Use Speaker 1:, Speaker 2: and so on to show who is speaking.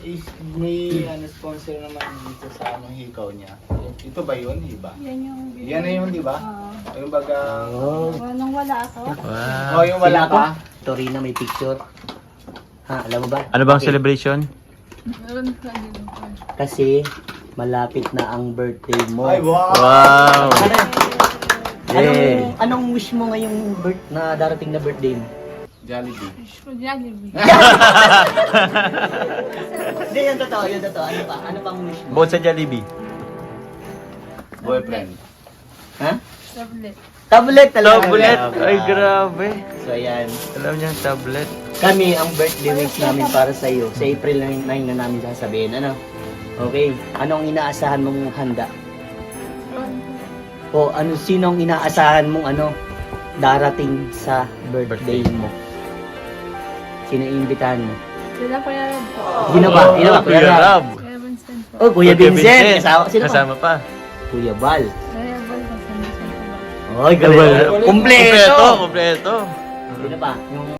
Speaker 1: may ano, sponsor naman dito sa anong hikaw niya. Ito ba yun? Iba?
Speaker 2: Yan yung...
Speaker 1: Yan na yun, di ba? Yung baga...
Speaker 3: Oh.
Speaker 2: Nung wala ako.
Speaker 4: Wow.
Speaker 1: Oh, yung wala
Speaker 3: Sino to?
Speaker 1: ka?
Speaker 3: Torina may picture. Ha, alam mo ba?
Speaker 4: Ano bang
Speaker 3: Okay.
Speaker 4: celebration?
Speaker 2: Meron ka din.
Speaker 3: Kasi malapit na ang birthday mo.
Speaker 1: Ay, wow!
Speaker 4: Wow!
Speaker 3: Anong wish mo ngayong na darating na birthday mo?
Speaker 1: Jollibee.
Speaker 2: Jollibee.
Speaker 3: Hindi, yun totoo, yun totoo. Ano pa? Ano pang wish mo?
Speaker 4: Bukod sa Jollibee.
Speaker 1: Boyfriend.
Speaker 3: Ha?
Speaker 2: Tablet.
Speaker 3: Tablet talaga.
Speaker 4: Tablet!
Speaker 3: Grabe.
Speaker 4: Ay, grabe.
Speaker 3: So, ayan.
Speaker 4: Alam niya, tablet.
Speaker 3: Kami, ang birthday wish namin para sa iyo. Sa April 9 na namin sasabihin. Ano? Okay. Anong inaasahan mong handa? O sino ang inaasahan mong darating sa birthday mo? Sino iimbitahan mo?
Speaker 2: Sila Kuya Rob po.
Speaker 3: Sino ba? Sino ba?
Speaker 4: Kuya Rob.
Speaker 2: Kuya Vincent po.
Speaker 3: Oh, Kuya Vincent. Sino pa?
Speaker 4: Kasama pa.
Speaker 3: Kuya Val.
Speaker 2: Kuya Val kasama siya po.
Speaker 3: Oy, galing. Kompleto.
Speaker 4: Kompleto.
Speaker 3: Sino pa? Yung